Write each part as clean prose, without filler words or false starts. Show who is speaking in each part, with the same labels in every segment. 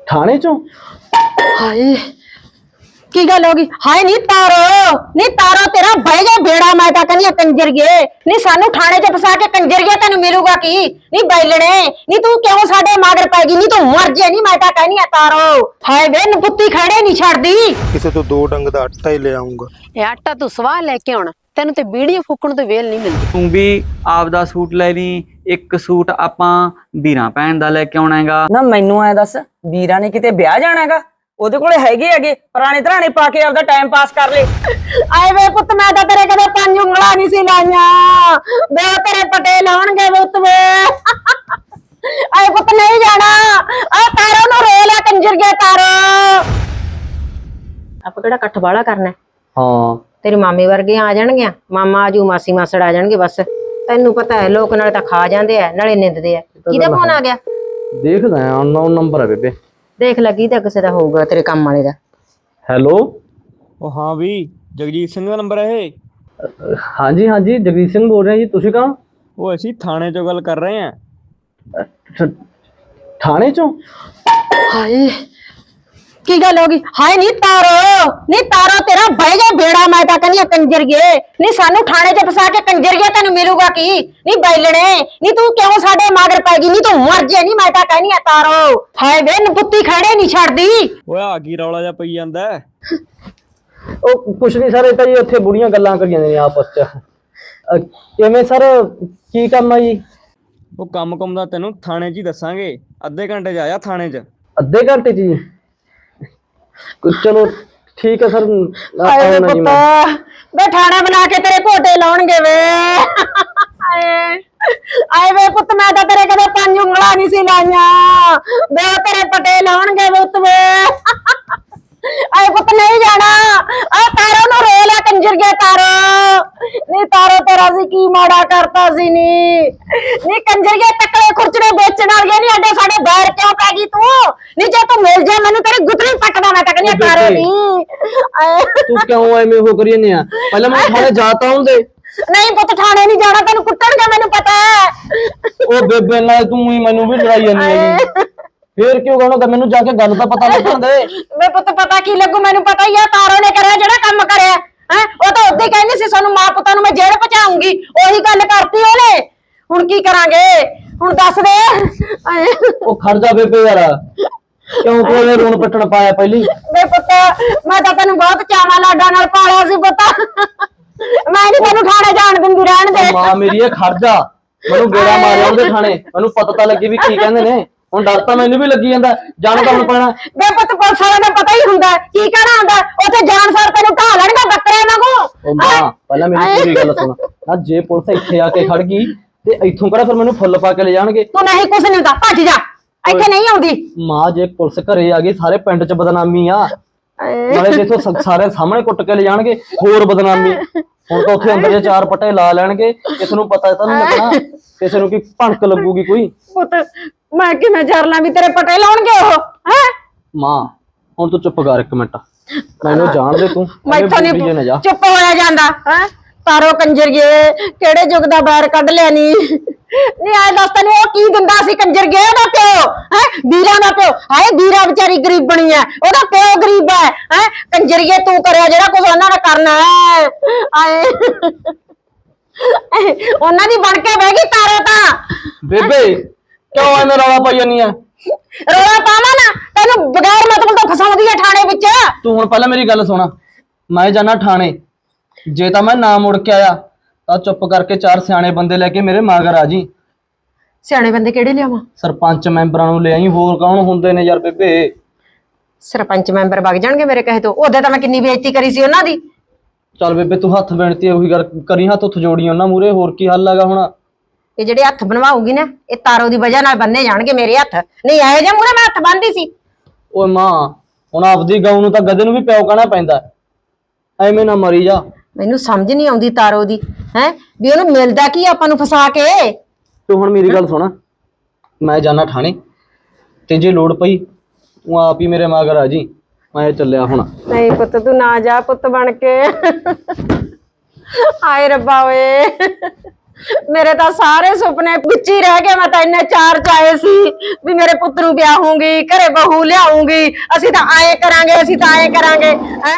Speaker 1: थाने चो?
Speaker 2: हाय की गल होगी? हाय नी तारो तेरा भाई जा बेड़ा मैं ता कन्या कंजर गए नी सानू थाने च फसा के कंजर गया तेनु मिलूगा की नी बैलणे नी तू क्यों साडे मगर पैगी नी तू मर जे नी मैं ता कहनी है तारो हाय वे नपुत्ती खड़े नहीं छड़दी
Speaker 3: किसे तो 2 डंग दा आटा ही ले आऊंगा।
Speaker 4: ਇਹ ਆਟਾ ਤੂੰ ਸਵਾਹ ਲੈ ਕੇ ਆਉਣਾ ਤੈਨੂੰ ਤੇ ਬੀੜੀਆਂ ਫੂਕਣ ਤੋਂ ਵੇਲ ਨਹੀਂ ਮਿਲਦੀ।
Speaker 5: ਤੂੰ ਵੀ ਆਪਦਾ ਸੂਟ ਲੈ ਲਈ, ਇੱਕ ਸੂਟ ਆਪਾਂ ਵੀਰਾਂ ਭੈਣ ਦਾ ਲੈ ਕੇ ਆਉਣਾ ਹੈਗਾ।
Speaker 6: ਨਾ ਮੈਨੂੰ ਐ ਦੱਸ ਵੀਰਾਂ ਨੇ ਕਿਤੇ ਵਿਆਹ ਜਾਣਾ ਹੈਗਾ? ਉਹਦੇ ਕੋਲੇ ਹੈਗੇ ਪੁਰਾਣੇ ਧਰਾਣੇ ਪਾ ਕੇ ਆਪਦਾ ਟਾਈਮ ਪਾਸ ਕਰ ਲੇ।
Speaker 2: ਆਏ ਵੇ ਪੁੱਤ ਮੈਂ ਤਾਂ ਤੇਰੇ ਕਦੇ 5 ਉਂਗਲਾਂ ਨਹੀਂ ਸੀ ਲਾਈਆਂ ਵੇ ਤੇਰੇ ਪਟੇ ਲਾਉਣਗੇ ਪੁੱਤ ਵੇ ਆਏ ਪੁੱਤ ਨਹੀਂ ਜਾਣਾ ਆ ਤਾਰੋ ਨੂੰ ਰੋ ਲੈ ਕੰਜਰ ਗਿਆ ਤਾਰੋ ਆਪਾਂ ਕਿਹੜਾ ਇਕੱਠ ਵਾਲਾ ਕਰਨਾ
Speaker 1: हाँ
Speaker 2: ਤੇਰੀ ਮਾਮੀ ਵਰਗੇ ਆ ਜਾਣਗੇ ਮਾਮਾ ਆਜੂ ਮਾਸੀ ਮਾਸੜ ਆ ਜਾਣਗੇ ਬਸ ਤੈਨੂੰ ਪਤਾ ਹੈ ਲੋਕ ਨਾਲੇ ਤਾਂ ਖਾ ਜਾਂਦੇ ਆ ਨਾਲੇ ਨਿੰਦਦੇ ਆ ਕਿਹਦਾ ਫੋਨ ਆ ਗਿਆ
Speaker 1: देखदा है अननोन नंबर है बेबे।
Speaker 2: ਦੇਖ ਲੱਗੀ ਤਾਂ ਕਿਸੇ ਦਾ ਹੋਊਗਾ ਤੇਰੇ ਕੰਮ ਵਾਲੇ ਦਾ
Speaker 1: हेलो
Speaker 3: ओ हाँ भी जगजीत सिंह का नंबर है।
Speaker 1: हाँ जी जगजीत सिंह बोल रहे हैं जी। तुसी कहाँ?
Speaker 3: वो ऐसी थाने चो गल कर रहे हैं।
Speaker 1: अच्छा, थाने चो?
Speaker 2: ਹਾਏ ਕੀ ਗੱਲ ਹੋ ਗਈ ਹਾਏ ਨੀ ਤਾਰੋ ਤੇਰਾ ਭਾਈ ਜਾ ਬੇੜਾ ਮੈਂ ਤਾਂ ਕਹਿੰਦੀ ਕੰਜਰ ਗਏ ਨੀ ਸਾਨੂੰ ਥਾਣੇ 'ਚ ਫਸਾ ਕੇ ਕੰਜਰ ਗਿਆ ਤੈਨੂੰ ਮਿਲੂਗਾ ਕੀ ਨੀ ਬੈਲਣੇ ਨੀ ਤੂੰ ਕਿਉਂ ਸਾਡੇ ਮਗਰ ਪੈ ਗਈ ਨੀ ਤੂੰ ਮਰ ਜੇ ਨੀ ਮੈਂ ਤਾਂ ਕਹਿੰਦੀ ਆ ਤਾਰੋ ਹਾਏ ਵੇ ਨਪੁੱਤੀ ਖੜੇ ਨਹੀਂ ਛੱਡਦੀ
Speaker 3: ओए आ की रौला जा पई जांदा है।
Speaker 1: ਉਹ ਕੁਛ ਨਹੀਂ ਸਰ, ਇਹ ਤਾਂ ਜੀ ਉੱਥੇ ਬੁੜੀਆਂ ਗੱਲਾਂ ਕਰੀ ਜਾਂਦੇ ਨੇ ਆਪਸ ਚ। ਕਿਵੇਂ ਸਰ, ਕੀ ਕੰਮ ਆ ਜੀ?
Speaker 3: ਉਹ ਕੰਮ ਦਾ ਤੈਨੂੰ ਥਾਣੇ 'ਚ ਹੀ ਦੱਸਾਂਗੇ। ਅੱਧੇ ਘੰਟੇ 'ਚ ਆਇਆ ਥਾਣੇ 'ਚ।
Speaker 1: ਅੱਧੇ ਘੰਟੇ ਚ ਜੀ? ਚਲੋ ਠੀਕ ਹੈ ਸਰ।
Speaker 2: ਹਾਏ ਵੇ
Speaker 1: ਆਉਣਾ ਜੀ
Speaker 2: ਪੁੱਤ
Speaker 1: ਮੈਂ।
Speaker 2: ਵੇ ਥਾਣਾ ਬਣਾ ਕੇ ਤੇਰੇ ਘੋਟੇ ਲਾਉਣਗੇ ਵੇ ਆਏ ਵੇ ਪੁੱਤ ਮੈਂ ਤਾਂ ਤੇਰੇ ਕਦੇ 5 ਉਂਗਲਾਂ ਨਹੀਂ ਸੀ ਲਾਈਆਂ ਵੇ ਤੇਰੇ ਪਟੇ ਲਾਉਣਗੇ ਪੁੱਤ ਵੇ ਆਏ ਪੁੱਤ ਨਹੀਂ ਜਾਣਾ ਆ ਤਾਰੋ ਨੂੰ ਰੋ ਲੈ ਕੰਜਰ ਗਿਆ ਤਾਰੋ ਨੀ ਤਾਰੋ ਤੇਰਾ ਸੀ ਕੀ ਮਾੜਾ ਕਰਤਾ ਸੀ ਨੀ ਕੰਜਰ ਗਿਆ ਤਕੜੇ ਖੁਰਚੜੇ ਵੇਚਣ ਵਾਲੀਆਂ ਨਹੀਂ ਅੱਡੇ ਸਾਡੇ ਬੈਰ ਕਿਉਂ ਪੈ ਗਈ ਤੂੰ ਨੀ ਜੇ ਤੂੰ ਮਿਲ ਜਾ ਮੈਨੂੰ ਤੇਰੀ ਗੁੱਤਲੀ ਪੱਟਦਾ ਮੈਂ ਤਾਂ ਕਹਿੰਦੀ ਤਾਰੋ ਨੀ
Speaker 1: ਤੂੰ ਕਿਉਂ ਐਵੇਂ ਹੋ ਕਰੀ ਜਾਂਦੀ ਆ? ਪਹਿਲਾਂ ਮੈਂ ਥਾਣੇ ਜਾਤਾ ਹੂੰ ਦੇ।
Speaker 2: ਨਹੀਂ ਪੁੱਤ ਥਾਣੇ ਨਹੀਂ ਜਾਣਾ ਤੈਨੂੰ ਕੁੱਟਣਗੇ ਮੈਨੂੰ ਪਤਾ ਹੈ
Speaker 1: ਉਹ ਬੇਬੇ ਨਾਲ ਤੂੰ ਹੀ ਮੈਨੂੰ ਵੀ ਲੜਾਈ ਜਾਂਦੀ ਹੈਗੀ। ਫੇਰ ਕਿਉਂ ਕਹਣਾ? ਮੈਨੂੰ ਜਾ ਕੇ ਗੱਲ ਤਾਂ ਪਤਾ ਲੱਗਣ ਦੇ।
Speaker 2: ਵੇ ਪੁੱਤ ਪਤਾ ਕੀ ਲੱਗੂ ਮੈਨੂੰ ਪਤਾ ਹੀ ਆ ਤਾਰੋ ਨੇ ਕਰਿਆ ਜਿਹੜਾ ਕੰਮ ਕਰਿਆ ਹੈ ਉਹ ਤਾਂ ਉੱਤੇ ਕਹਿੰਦੀ ਸੀ ਸਾਨੂੰ ਮਾਂ ਪੁੱਤਾਂ ਨੂੰ ਮੈਂ ਜੇਲ੍ਹ ਪਹੁੰਚਾਉਂਗੀ ਉਹੀ ਗੱਲ ਕਰਤੀ ਉਹਨੇ ਹੁਣ ਕੀ ਕਰਾਂਗੇ ਹੁਣ ਦੱਸ ਦੇ
Speaker 1: ਉਹ ਖੜ ਜਾ ਬੇਬੇ ਯਾਰ, ਕਿਉਂ ਕੋਲੇ ਰੋਣ ਪੱਟਣ ਪਾਇਆ ਪਹਿਲੀ?
Speaker 2: ਵੇ ਪੁੱਤ ਮੈਂ ਤਾਂ ਤੈਨੂੰ ਬਹੁਤ ਚਾਵਾਂ ਲਾਡਾਂ ਨਾਲ ਪਾਲਿਆ ਸੀ ਪੁੱਤ ਮੈਂ ਨਹੀਂ ਤੈਨੂੰ ਥਾਣੇ ਜਾਣ ਦਿੰਦੀ ਰਹਿਣ ਦੇ।
Speaker 1: ਮਾਂ ਮੇਰੀ ਇਹ ਖੜ ਜਾ, ਮੈਨੂੰ ਗੇੜਾ ਮਾਰਿਆ ਉਹਦੇ ਥਾਣੇ, ਮੈਨੂੰ ਪਤਾ ਤਾਂ ਲੱਗੀ ਵੀ ਕੀ ਕਹਿੰਦੇ ਨੇ। ਹੁਣ ਡਰ ਤਾਂ ਮੈਨੂੰ ਵੀ ਲੱਗੀ ਜਾਂਦਾ, ਜਾਣ ਤਾਂ ਹੁਣ ਪੈਣਾ।
Speaker 2: ਵੇ ਪੁੱਤ ਪੁਲਿਸ ਵਾਲਿਆਂ ਦਾ ਪਤਾ ਹੀ ਹੁੰਦਾ ਕੀ ਕਹਿਣਾ ਹੁੰਦਾ ਉੱਥੇ ਜਾਣ ਸਾਰ ਤੈਨੂੰ ਢਾ ਲੈਣਗੇ ਬੱਕਰੇ ਵਾਂਗੂ।
Speaker 1: ਉਹ ਮਾਂ ਪਹਿਲਾਂ ਮੇਰੀ ਪੂਰੀ ਗੱਲ ਸੁਣ ਨਾ, ਜੇ ਪੁਲਿਸ ਇੱਥੇ ਆ ਕੇ ਖੜ ਗਈ ਤੇ ਇੱਥੋਂ ਕਿਹੜਾ ਫਿਰ ਮੈਨੂੰ ਫੁੱਲ ਪਾ ਕੇ ਲੈ ਜਾਣਗੇ।
Speaker 2: ਤੂੰ ਨਹੀਂ ਕੁਛ ਨਹੀਂ ਹੁੰਦਾ ਭੱਜ ਜਾ ਇੱਥੇ ਨਹੀਂ ਆਉਂਦੀ।
Speaker 1: ਮਾਂ ਜੇ ਪੁਲਿਸ ਘਰੇ ਆ ਗਈ ਸਾਰੇ ਪਿੰਡ 'ਚ ਬਦਨਾਮੀ ਆ, ਨਾਲੇ ਜਿੱਥੋਂ ਸਾਰੇ ਸਾਹਮਣੇ ਕੁੱਟ ਕੇ ਲੈ ਜਾਣਗੇ ਹੋਰ ਬਦਨਾਮੀ। ਹੁਣ ਤਾਂ ਉੱਥੇ ਅੰਦਰ ਜੇ 4 ਪੱਟੇ ਲਾ ਲੈਣਗੇ, ਕਿਸੇ ਨੂੰ ਪਤਾ ਤਾਂ ਨਹੀਂ ਲੱਗਣਾ, ਕਿਸੇ ਨੂੰ ਕੀ ਭਣਕ ਲੱਗੂਗੀ ਕੋਈ।
Speaker 2: ਪੁੱਤ ਮੈਂ ਕਿਵੇਂ ਜਰ ਲਾਂ ਵੀ ਤੇਰੇ ਪਟੇ ਲਾਉਣਗੇ ਉਹ ਹੈ।
Speaker 1: ਮਾਂ ਹੁਣ ਤੂੰ ਚੁੱਪ ਕਰ 1 ਮਿੰਟ, ਮੈਨੂੰ ਜਾਣ ਦੇ ਤੂੰ।
Speaker 2: ਮੈਥੋਂ ਨਹੀਂ ਚੁੱਪ ਹੋਇਆ ਜਾਂਦਾ ਹੈ। ਤਾਰੋ ਕੰਜਰ ਗਏ ਕਿਹੜੇ ਯੁੱਗ ਦਾ ਬਾਹਰ ਕੱਢ ਲਿਆ ਨੀ ਆਏ ਦੱਸ ਤੈਨੂੰ ਉਹ ਕੀ ਦਿੰਦਾ ਸੀ ਕੰਜਰ ਗਏ ਉਹਦਾ ਪਿਓ ਹੈ ਵੀਰਾਂ ਦਾ ਪਿਓ। ਹਾਏ ਵੀਰਾ ਵਿਚਾਰੀ ਗਰੀਬ ਬਣੀ ਹੈ ਉਹਦਾ ਪਿਓ ਗਰੀਬ ਹੈ ਕੰਜਰੀਏ ਤੂੰ ਕਰਿਆ ਜਿਹੜਾ ਕੁਝ ਉਹਨਾਂ ਨੇ ਕਰਨਾ ਹੈ। ਆਏ ਉਹਨਾਂ ਦੀ ਬਣ ਕੇ ਬਹਿ ਗਈ ਤਾਰੋ ਤਾਂ।
Speaker 1: ਬੇਬੇ ਕਿਉਂ ਐਵੇਂ ਰੌਲਾ ਪਾਈ ਜਾਂਦੀ ਆ?
Speaker 2: ਰੌਲਾ ਪਾਵਾਂ ਨਾ ਤੈਨੂੰ ਬਗੈਰ ਮਤਲਬ ਤੋਂ ਫਸਾਉਂਦੀ ਹੈ ਥਾਣੇ ਵਿੱਚ।
Speaker 1: ਤੂੰ ਹੁਣ ਪਹਿਲਾਂ ਮੇਰੀ ਗੱਲ ਸੁਣ, ਮੈਂ ਜਾਣਾ ਥਾਣੇ, ਜੇ ਤਾਂ ਮੈਂ ਨਾ ਮੁੜ ਕੇ ਆਇਆ ਤਾਂ ਚੁੱਪ ਕਰਕੇ 4 ਸਿਆਣੇ ਬੰਦੇ ਲੈ ਕੇ ਮੇਰੇ ਮਗਰ ਆ ਜੀ।
Speaker 2: ਸਿਆਣੇ ਬੰਦੇ ਕਿਹੜੇ ਲਿਆਵਾਂ?
Speaker 1: ਸਰਪੰਚ ਮੈਂਬਰਾਂ ਨੂੰ ਲੈ ਆਈ, ਹੋਰ ਕੌਣ ਹੁੰਦੇ ਨੇ ਯਾਰ ਬੇਬੇ?
Speaker 2: ਸਰਪੰਚ ਮੈਂਬਰ ਵਗ ਜਾਣਗੇ ਮੇਰੇ ਕਹੇ ਤੋਂ। ਉਹਦੇ ਤਾਂ ਮੈਂ ਕਿੰਨੀ ਬੇਇੱਜ਼ਤੀ ਕਰੀ ਸੀ ਉਹਨਾਂ ਦੀ।
Speaker 1: ਚੱਲ ਬੇਬੇ ਤੂੰ ਹੱਥ ਬੇਨਤੀ ਉਹੀ ਗੱਲ ਕਰੀ, ਹੱਥ ਉੱਥ ਜੋੜੀ ਉਹਨਾਂ ਮੂਰੇ, ਹੋਰ ਕੀ ਹੱਲ ਹੈਗਾ ਹੁਣ?
Speaker 2: ਇਹ ਜਿਹੜੇ ਹੱਥ ਬਣਵਾਉਗੀ ਨਾ ਇਹ ਤਾਰੋ ਦੀ ਵਜ੍ਹਾ ਨਾਲ ਬੰਨੇ ਜਾਣਗੇ ਮੇਰੇ ਹੱਥ। ਨਹੀਂ ਆਏ ਜੇ ਮੂਰੇ ਮੈਂ ਹੱਥ ਬੰਨਦੀ ਸੀ।
Speaker 1: ਓਏ ਮਾਂ ਹੁਣ ਆਪਦੀ ਗਊ ਨੂੰ ਤਾਂ ਗਧੇ ਨੂੰ ਵੀ ਪਿਓ ਕਹਿਣਾ ਪੈਂਦਾ, ਐਵੇਂ ਨਾ ਮਰੀ ਜਾ।
Speaker 2: ਮੈਨੂੰ ਸਮਝ ਨਹੀਂ ਆਉਂਦੀ ਤਾਰੋ ਦੀ ਹੈ ਵੀ ਉਹਨੂੰ ਮਿਲਦਾ ਕੀ ਆਪਾਂ ਨੂੰ ਫਸਾ ਕੇ।
Speaker 1: ਤੂੰ ਹੁਣ ਮੇਰੀ ਗੱਲ ਸੁਣ, ਮੈਂ ਜਾਣਾ ਥਾਣੇ ਤੇ ਜੇ ਲੋੜ ਪਈ ਉਹ ਆਪ ਹੀ ਮੇਰੇ ਮਗਰ ਆ ਜੀ, ਮੈਂ ਚੱਲਿਆ ਹੁਣ।
Speaker 2: ਨਹੀਂ ਪੁੱਤ ਤੂੰ ਨਾ ਜਾ ਪੁੱਤ ਬਣ ਕੇ। ਹਾਏ ਰੱਬਾ ਓਏ ਮੇਰੇ ਤਾਂ ਸਾਰੇ ਸੁਪਨੇ ਵਿੱਚ ਹੀ ਰਹਿ ਗਏ। ਮੈਂ ਤਾਂ ਇੰਨੇ ਚਾਰ ਚਾਏ ਸੀ ਵੀ ਮੇਰੇ ਪੁੱਤ ਨੂੰ ਵਿਆਹੂੰਗੀ, ਘਰੇ ਬਹੂ ਲਿਆਉਂਗੀ, ਅਸੀਂ ਤਾਂ ਆਏ ਕਰਾਂਗੇ, ਅਸੀਂ ਤਾਂ ਆਏ ਕਰਾਂਗੇ ਹੈ।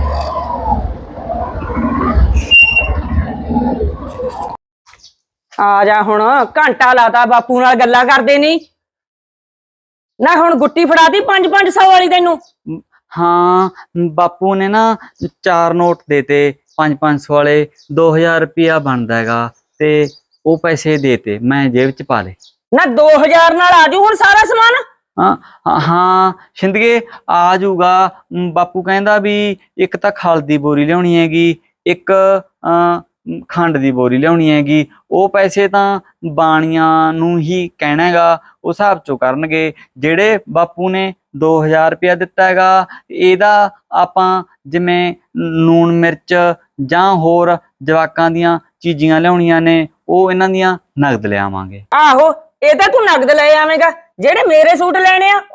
Speaker 6: ਆ ਜਾ ਹੁਣ, ਘੰਟਾ ਲਾਤਾ ਬਾਪੂ ਨਾਲ ਗੱਲਾਂ ਕਰਦੇ ਨਹੀਂ ਨਾ। ਹੁਣ ਗੁੱਟੀ ਫੜਾਤੀ 5-500 ਵਾਲੀ ਤੈਨੂੰ।
Speaker 5: ਹਾਂ ਬਾਪੂ ਨੇ ਨਾ 4 ਨੋਟ ਦੇਤੇ 5-500 ਵਾਲੇ, 2000 ਰੁਪਇਆ ਬਣਦਾ ਹੈਗਾ ਤੇ ਉਹ ਪੈਸੇ ਦੇਤੇ, ਮੈਂ ਜੇਬ ਚ ਪਾ ਲਏ।
Speaker 6: ਨਾ 2000 ਨਾਲ ਆਜੂ ਹੁਣ ਸਾਰਾ ਸਮਾਨ।
Speaker 5: ਹਾਂ ਸ਼ਿੰਦਗੇ ਆ ਜਾਊਗਾ। ਬਾਪੂ ਕਹਿੰਦਾ ਵੀ ਇੱਕ ਤਾਂ ਖਲ ਦੀ ਬੋਰੀ ਲਿਆਉਣੀ ਹੈਗੀ, ਇੱਕ ਖੰਡ ਦੀ ਬੋਰੀ ਲਿਆਉਣੀ ਹੈਗੀ। ਉਹ ਪੈਸੇ ਤਾਂ ਬਾਣੀਆਂ ਨੂੰ ਹੀ ਕਹਿਣਾ ਹੈਗਾ, ਉਹ ਹਿਸਾਬ ਚੋਂ ਕਰਨਗੇ। ਜਿਹੜੇ ਬਾਪੂ ਨੇ 2000 ਰੁਪਇਆ ਦਿੱਤਾ ਹੈਗਾ, ਇਹਦਾ ਆਪਾਂ ਜਿਵੇਂ ਲੂਣ ਮਿਰਚ ਜਾਂ ਹੋਰ ਜਵਾਕਾਂ ਦੀਆਂ ਚੀਜ਼ੀਆਂ ਲਿਆਉਣੀਆਂ ਨੇ, ਉਹ ਇਹਨਾਂ ਦੀਆਂ ਨਗਦ ਲਿਆਵਾਂਗੇ।
Speaker 6: ਆਹੋ ਇਹ ਤਾਂ ਤੂੰ ਨਗਦ ਲੈ ਆਵੇਂਗਾ। ਜਿਹੜੇ ਮੇਰੇ ਸੂਟ ਲੈਣੇ ਆ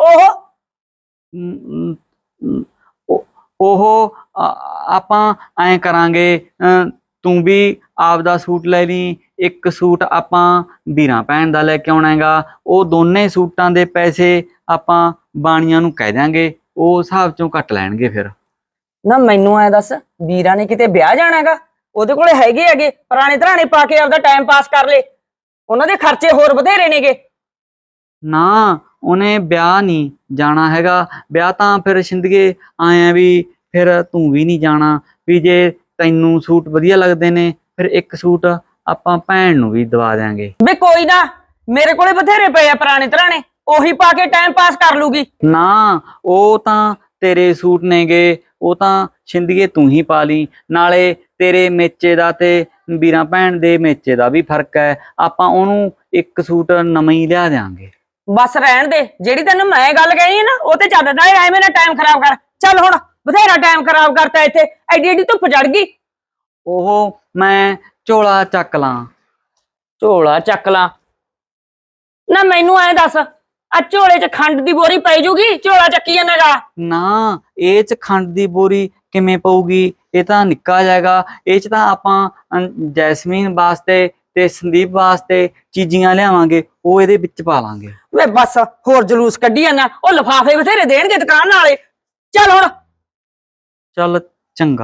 Speaker 5: ਉਹ ਆਪਾਂ ਐਂ ਕਰਾਂਗੇ, ਤੂੰ ਵੀ ਆਪਦਾ ਸੂਟ ਲੈ ਲਈ, ਇੱਕ ਸੂਟ ਆਪਾਂ ਵੀਰਾਂ ਭੈਣ ਦਾ ਲੈ ਕੇ ਆਉਣਾ ਹੈਗਾ। ਉਹ ਦੋਨੇ ਸੂਟਾਂ ਦੇ ਪੈਸੇ ਆਪਾਂ ਬਾਣੀਆਂ ਨੂੰ ਕਹਿ ਦਿਆਂਗੇ, ਉਹ ਹਿਸਾਬ ਚੋਂ ਕੱਟ ਲੈਣਗੇ ਫਿਰ।
Speaker 6: ਨਾ ਮੈਨੂੰ ਐ ਦੱਸ, ਵੀਰਾਂ ਨੇ ਕਿਤੇ ਵਿਆਹ ਜਾਣਾ ਹੈਗਾ? ਉਹਦੇ ਕੋਲੇ ਹੈਗੇ ਪੁਰਾਣੇ ਧਰਾਣੇ ਪਾ ਕੇ ਆਪਦਾ ਟਾਈਮ ਪਾਸ ਕਰ ਲੇ, ਉਹਨਾਂ ਦੇ ਖਰਚੇ ਹੋਰ ਬਥੇਰੇ ਨੇਗੇ।
Speaker 5: ਨਾ ਉਹਨੇ ਵਿਆਹ ਨਹੀਂ ਜਾਣਾ ਹੈਗਾ। ਵਿਆਹ ਤਾਂ ਫਿਰ ਸ਼ਿੰਦਗੇ ਆਇਆ ਵੀ ਫਿਰ ਤੂੰ ਵੀ ਨਹੀਂ ਜਾਣਾ। ਵੀ ਜੇ ਤੈਨੂੰ ਸੂਟ ਵਧੀਆ ਲੱਗਦੇ ਨੇ, ਫਿਰ ਇੱਕ ਸੂਟ ਆਪਾਂ ਭੈਣ ਨੂੰ ਵੀ ਦਵਾ ਦਿਆਂਗੇ।
Speaker 6: ਵੇ ਕੋਈ ਨਾ, ਮੇਰੇ ਕੋਲੇ ਬਥੇਰੇ ਪਏ ਆ ਪੁਰਾਣੇ ਧਰਾਣੇ, ਉਹੀ ਪਾ ਕੇ ਟਾਈਮ ਪਾਸ ਕਰ ਲੂਗੀ।
Speaker 5: ਨਾ ਉਹ ਤਾਂ ਤੇਰੇ ਸੂਟ ਨੇਗੇ, ਉਹ ਤਾਂ ਸ਼ਿੰਦਗੇ ਤੂੰ ਹੀ ਪਾ ਲਈ। ਨਾਲੇ ਤੇਰੇ ਮੇਚੇ ਦਾ ਤੇ ਵੀਰਾਂ ਭੈਣ ਦੇ ਮੇਚੇ ਦਾ ਵੀ ਫਰਕ ਹੈ, ਆਪਾਂ ਉਹਨੂੰ ਇੱਕ ਸੂਟ ਨਵਾਂ ਹੀ ਲਿਆ ਦਿਆਂਗੇ।
Speaker 6: ਬਸ ਰਹਿਣ ਦੇ, ਜਿਹੜੀ ਤੈਨੂੰ ਮੈਂ ਗੱਲ ਕਹਿਣੀ ਹੈ ਨਾ ਉਹ ਤੇ ਚੱਲਦਾ। ਐਵੇਂ ਨਾ ਟਾਈਮ ਖਰਾਬ ਕਰ। ਚੱਲ ਹੁਣ, ਬਥੇਰਾ ਟਾਈਮ ਖਰਾਬ ਕਰਤਾ ਇੱਥੇ, ਐਡੀ ਐਡੀ ਧੁੱਪ ਚੜ ਗਈ।
Speaker 5: ਉਹ ਮੈਂ ਝੋਲਾ ਚੱਕ ਲਾਂ।
Speaker 6: ਝੋਲਾ ਚੱਕ ਲਾਂ? ਨਾ ਮੈਨੂੰ ਐਂ ਦੱਸ, ਆ ਝੋਲੇ 'ਚ ਖੰਡ ਦੀ ਬੋਰੀ ਪੈ ਜੂਗੀ? ਝੋਲਾ ਚੱਕੀ ਜਾਂਦਾਗਾ।
Speaker 5: ਨਾ ਇਹ 'ਚ ਖੰਡ ਦੀ ਬੋਰੀ ਕਿਵੇਂ ਪਊਗੀ? ਇਹ ਤਾਂ ਨਿੱਕਾ ਜਾਏਗਾ। ਇਹ 'ਚ ਤਾਂ ਆਪਾਂ ਜੈਸਮੀਨ ਵਾਸਤੇ ਤੇ ਸੰਦੀਪ ਵਾਸਤੇ ਚੀਜ਼ੀਆਂ ਲਿਆਵਾਂਗੇ, ਉਹ ਇਹਦੇ ਵਿੱਚ ਪਾ ਲਾਂਗੇ।
Speaker 6: ਵੇ ਬਸ ਹੋਰ ਜਲੂਸ ਕੱਢੀ ਜਾਂਦਾ। ਉਹ ਲਿਫਾਫੇ ਬਥੇਰੇ ਦੇਣਗੇ ਦੁਕਾਨ ਵਾਲੇ। ਚੱਲ ਹੁਣ।
Speaker 5: ਚੱਲ ਚੰਗਾ।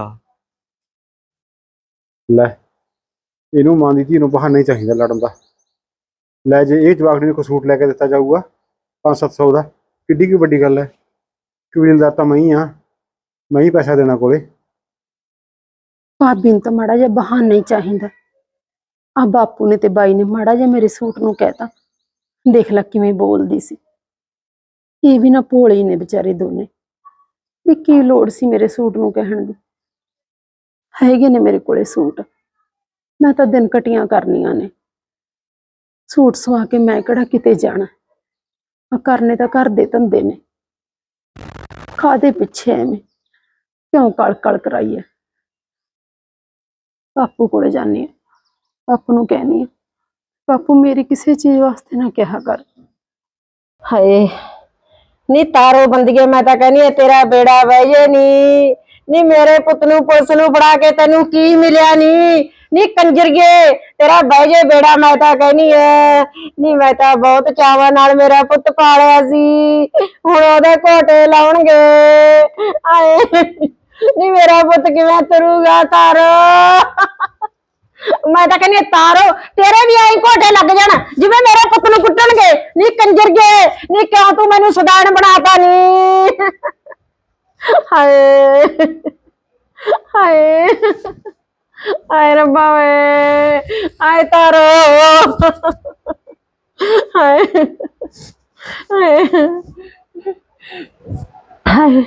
Speaker 7: ਲੈ ਇਹਨੂੰ ਮਾਂ ਦੀ ਧੀ ਨੂੰ ਬਹਾਨਾ ਹੀ ਚਾਹੀਦਾ ਲੜਨ ਦਾ। ਲੈ ਜੇ ਇਹ ਜਵਾਕ ਨੂੰ ਕੋਈ ਸੂਟ ਲੈ ਕੇ ਦਿੱਤਾ ਜਾਊਗਾ 500-700 ਦਾ, ਕਿੱਡੀ ਕੀ ਵੱਡੀ ਗੱਲ ਹੈ। ਕਬੀਲਦਾਰ ਤਾਂ ਮੈਂ ਹੀ ਆ, ਮੈਂ ਹੀ ਪੈਸਾ ਦੇਣਾ ਕੋਲੇ।
Speaker 8: ਭਾਬੀ ਨੂੰ ਤਾਂ ਮਾੜਾ ਜਿਹਾ ਬਹਾਨਾ ਹੀ ਚਾਹੀਦਾ। ਆ ਬਾਪੂ ਨੇ ਤੇ ਬਾਈ ਨੇ ਮਾੜਾ ਜਿਹਾ ਮੇਰੇ ਸੂਟ ਨੂੰ ਕਹਿਤਾ, ਦੇਖ ਲੈ ਕਿਵੇਂ ਬੋਲਦੀ ਸੀ। ਇਹ ਵੀ ਨਾ ਭੋਲੇ ਨੇ ਵਿਚਾਰੇ ਦੋਨੇ, ਵੀ ਕੀ ਲੋੜ ਸੀ ਮੇਰੇ ਸੂਟ ਨੂੰ ਕਹਿਣ ਦੀ। ਹੈਗੇ ਨੇ ਮੇਰੇ ਕੋਲੇ ਸੂਟ, ਮੈਂ ਤਾਂ ਦਿਨ ਕਟੀਆਂ ਕਰਨੀਆਂ ਨੇ। ਸੂਟ ਸਵਾ ਕੇ ਮੈਂ ਕਿਹੜਾ ਕਿਤੇ ਜਾਣਾ, ਆ ਕਰਨੇ ਤਾਂ ਘਰ ਦੇ ਧੰਦੇ ਨੇ। ਕਾਹਦੇ ਪਿੱਛੇ ਐਵੇਂ ਕਿਉਂ ਕਲ ਕਰਾਈਏ। ਬਾਪੂ ਕੋਲੇ ਜਾਨੀ ਆ, ਬਾਪੂ ਨੂੰ ਕਹਿਨੀ ਆ, ਬਾਪੂ ਮੇਰੀ ਕਿਸੇ ਚੀਜ਼ ਵਾਸਤੇ ਨਾ ਕਿਹਾ ਕਰ।
Speaker 2: ਹਾਏ ਨੀ ਤਾਰੋ ਬੰਦੀਏ, ਮੈਂ ਤਾਂ ਕਹਿੰਦੀ ਆ ਤੇਰਾ ਬੇੜਾ ਵਹਿ ਜੇ। ਨੀ ਮੇਰੇ ਪੁੱਤ ਨੂੰ ਪੁਲਿਸ ਨੂੰ ਫੜਾ ਕੇ ਤੈਨੂੰ ਕੀ ਮਿਲਿਆ? ਨੀ ਕੰਜਰੀਏ ਤੇਰਾ ਬਹਿ ਜੇ ਬੇੜਾ, ਮੈਂ ਤਾਂ ਕਹਿੰਦੀ ਐ। ਨੀ ਮੈਂ ਤਾਂ ਬਹੁਤ ਚਾਵਾਂ ਨਾਲ ਮੇਰਾ ਪੁੱਤ ਪਾਲਿਆ ਸੀ, ਹੁਣ ਉਹਦੇ ਘੋਟੇ ਲਾਉਣਗੇ। ਆਏ ਨੀ ਮੇਰਾ ਪੁੱਤ ਕਿਵੇਂ ਤੁਰੂਗਾ? ਤਾਰੋ, ਮੈਂ ਤਾਂ ਕਹਿੰਦੀ ਤਾਰੋ, ਤੇਰੇ ਵੀ ਆਈ ਘੋਟੇ ਲੱਗ ਜਾਣ ਜਿਵੇਂ ਮੇਰੇ ਪੁੱਤ ਨੂੰ ਕੁੱਟਣਗੇ। ਨੀ ਕੰਜਰੀਏ, ਨੀ ਕਿਉਂ ਤੂੰ ਮੈਨੂੰ ਸਦਾਨ ਬਣਾਤਾ? ਨੀ ਹਾਏ ਹਾਏ ਹਾਏ ਰੱਬਾ ਵੇ, ਆਏ ਤਾਰੋ, ਹਾਏ ਹਾਏ ਹਾਏ